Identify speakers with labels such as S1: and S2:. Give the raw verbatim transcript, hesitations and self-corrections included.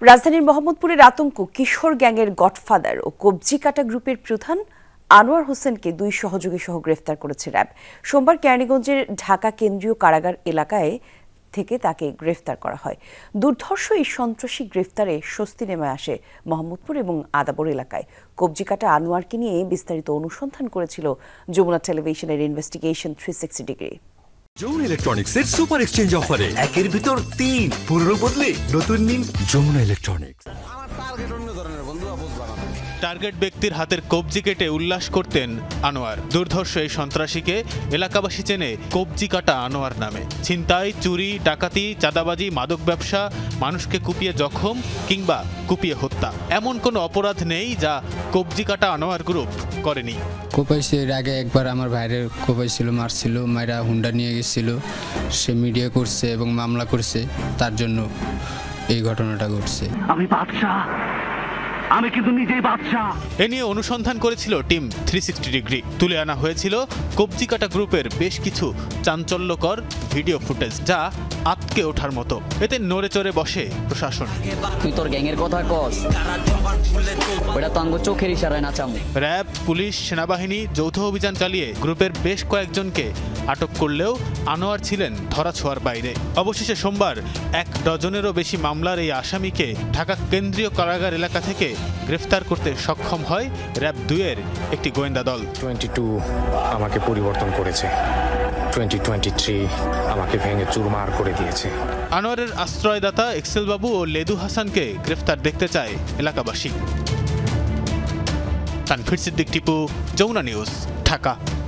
S1: রাজধানীর মোহাম্মদপুরের আতঙ্ক কিশোর গ্যাংয়ের গডফাদার ও কবজিকাটা গ্রুপের প্রধান আনোয়ার হোসেনকে দুই সহযোগী সহ গ্রেফতার করেছে র্যাব। সোমবার কেরানীগঞ্জের ঢাকা কেন্দ্রীয় কারাগার এলাকায় থেকে তাকে গ্রেফতার করা হয়। দুর্ধর্ষ এই সন্ত্রাসী গ্রেফতারে স্বস্তি নেমে আসে মোহাম্মদপুর এবং আদাবর এলাকায়। কবজিকাটা আনোয়ারকে নিয়ে বিস্তারিত অনুসন্ধান করেছিল যমুনা টেলিভিশনের investigation three sixty degree.
S2: Jamuna electronics এর সুপার এক্সচেঞ্জ অফারে একের ভিতর তিন পুরনো বদলে নতুন নিন যমুনা ইলেকট্রনিক্স।
S3: টার্গেট ব্যক্তির হাতের কবজি কেটে উল্লাস করতেন আনোয়ার। দুর্ধর্ষ এই সন্ত্রাসীকে এলাকাবাসী চেনে কবজি কাটা আনোয়ার নামে। ছিনতাই, চুরি, ডাকাতি, চাঁদাবাজি, মাদক ব্যবসা, মানুষকে কুপিয়ে জখম কিংবা কুপিয়ে হত্যা, এমন কোনো অপরাধ নেই যা কবজি কাটা আনোয়ার গ্রুপ করেনি।
S4: কোপাইছে, এর আগে একবার আমার ভাইয়ের কোপাইছিল, মারছিল, মায়েরা হুন্ডা নিয়ে গেছিল, সে মিডিয়া করছে এবং মামলা করছে, তার জন্য এই ঘটনাটা ঘটছে।
S5: আমি বাদশা, আমি কিন্তু নিজেই বাদশা।
S3: এ নিয়ে অনুসন্ধান করেছিল টিম থ্রি সিক্সটি ডিগ্রি। তুলে আনা হয়েছিল কবজি কাটা গ্রুপের বেশ কিছু চাঞ্চল্যকর ভিডিও ফুটেজ, যা আটকে ওঠার মতো। এতে নড়ে চড়ে বসে প্রশাসন।
S6: তুই তোর গ্যাংয়ের কথা কস, ওটা তো আঙ্গ চোখের ইশারায় নাচামু।
S3: র্যাব, পুলিশ, সেনাবাহিনী যৌথ অভিযান চালিয়ে গ্রুপের বেশ কয়েকজনকে আটক করলেও আনোয়ার ছিলেন ধরাছোঁয়ার বাইরে। অবশেষে সোমবার এক ডজনেরও বেশি মামলার এই আসামিকে ঢাকা কেন্দ্রীয় কারাগার এলাকা থেকে গ্রেফতার করতে সক্ষম হয় র্যাব দুইয়ের একটি গোয়েন্দা দল।
S7: টোয়েন্টি টু আমাকে পরিবর্তন করেছে, টোয়েন্টি টোয়েন্টি থ্রি আমাকে ভেঙে চুরমার করে দিয়েছে।
S3: আনোয়ারের আশ্রয়দাতা এক্সেল বাবু ও লেদু হাসানকে গ্রেফতার দেখতে চায় এলাকাবাসী। তানভীর সিদ্দিক টিপু, যমুনা নিউজ, ঢাকা।